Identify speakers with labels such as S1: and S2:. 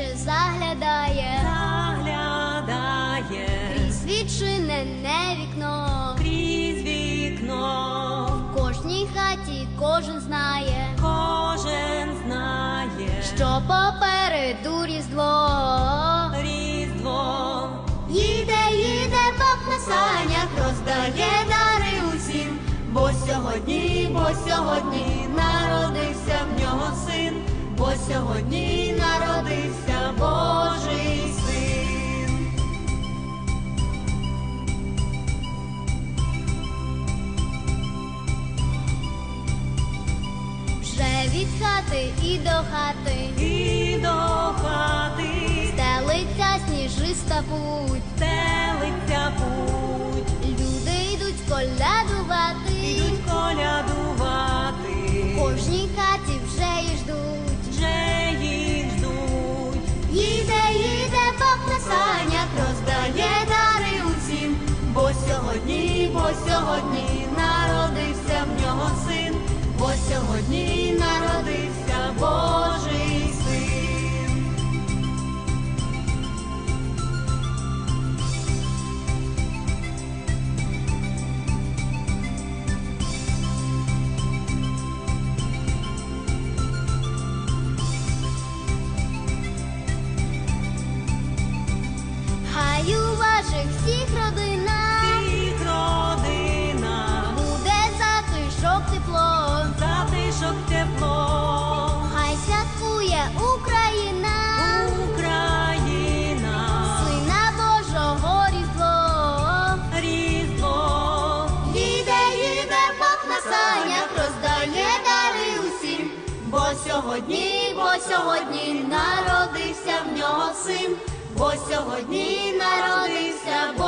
S1: вже заглядає, крізь відчинене вікно,
S2: крізь вікно.
S1: в кожній хаті кожен знає, що попереду Різдво.
S2: Різдво.
S1: Їде, їде Бог на санях, роздає дари усім, бо сьогодні народився в нього син, бо сьогодні народився Божий син. Вже від хати і до хати, стелиться сніжиста путь, люди йдуть колядувати, в кожній хаті вже їх ждуть. Їде, їде Бог на санях, роздає дари усім, бо сьогодні народився в нього син, бо сьогодні народився Божий син. Хай у ваших всіх родинах буде затишок тепло, хай святкує Україна, Сина Божого Різдво. Їде, їде Бог на санях, роздає дари усім, бо сьогодні народився в нього син, бо сьогодні народився Бог.